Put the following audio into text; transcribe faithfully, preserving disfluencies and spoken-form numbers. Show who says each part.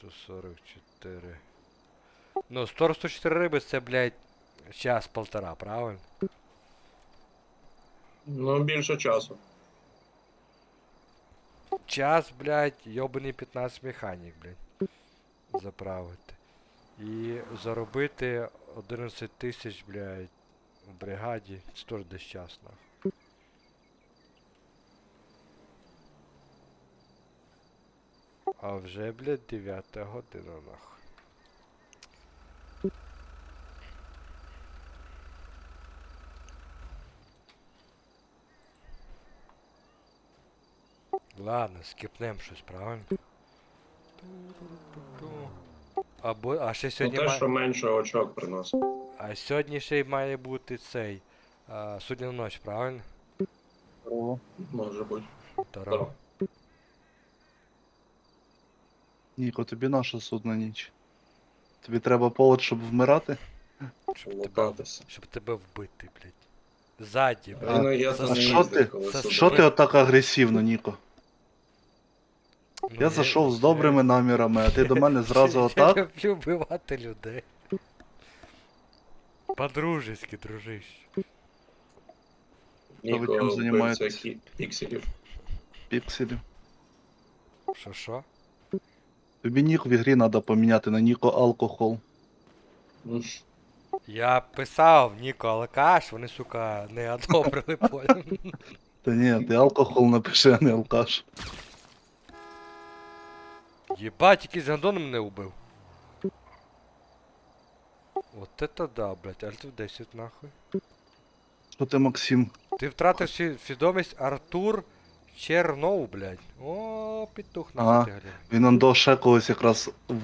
Speaker 1: сто сорок чотири. Ну, сто сорок чотири риби це, блядь, час-полтора, правильно?
Speaker 2: Ну, більше часу.
Speaker 1: Час, блядь, йобаний п'ятнадцять механік, блядь. Заправити. І заробити одинадцять тисяч, блядь, в бригаді. Це теж десь час, нахуй. А вже, блядь, дев'ята година, нахуй. Ладно, скіпнем щось, правильно? Або, а ще
Speaker 2: Ну,
Speaker 1: сьогодні
Speaker 2: те,
Speaker 1: має...
Speaker 2: що менше очок приносить.
Speaker 1: А сьогодні ще й має бути цей... А, судня ночь, правильно?
Speaker 3: Здорово.
Speaker 2: Може бути.
Speaker 1: Здорово.
Speaker 3: Ніко, тобі наша судна ніч. Тобі треба повод, щоб вмирати?
Speaker 1: Щоб тебе,
Speaker 2: Лутатися.
Speaker 1: щоб тебе вбити, блядь. Ззаді,
Speaker 2: А
Speaker 1: блядь.
Speaker 2: він є,
Speaker 1: За
Speaker 2: то
Speaker 3: А
Speaker 2: не
Speaker 3: що
Speaker 2: їздить,
Speaker 3: ти?
Speaker 2: коли
Speaker 1: Це
Speaker 2: сюди.
Speaker 3: Що ти отак агресивно, Ніко?
Speaker 1: Ну,
Speaker 3: Я зайшов з добрими намірами, а ти до мене зразу
Speaker 1: Я
Speaker 3: отак?
Speaker 1: люблю вбивати людей. По-дружески, дружище.
Speaker 3: ви
Speaker 2: Ніко
Speaker 3: чим
Speaker 2: вбивця
Speaker 3: займаєтесь?
Speaker 2: хі- пікселів.
Speaker 3: Пікселів.
Speaker 1: Що що?
Speaker 3: Тобі нік в ігрі треба поміняти на Ніко алкохол.
Speaker 2: М.
Speaker 1: Я писав Ніко Алкаш, вони, сука, не одобрили понял.
Speaker 3: Та ні, ти алкохол напиши, а не алкаш.
Speaker 1: Єбать, якийсь гандон мене убив. Вот это да, блядь, альт десять нахуй.
Speaker 3: Що ти, Максим?
Speaker 1: Ти втратив сві- свідомість Артур Чернов, блядь. О, петух
Speaker 3: Ага.
Speaker 1: нахуй ти глянь.
Speaker 3: Він он до ще когось якраз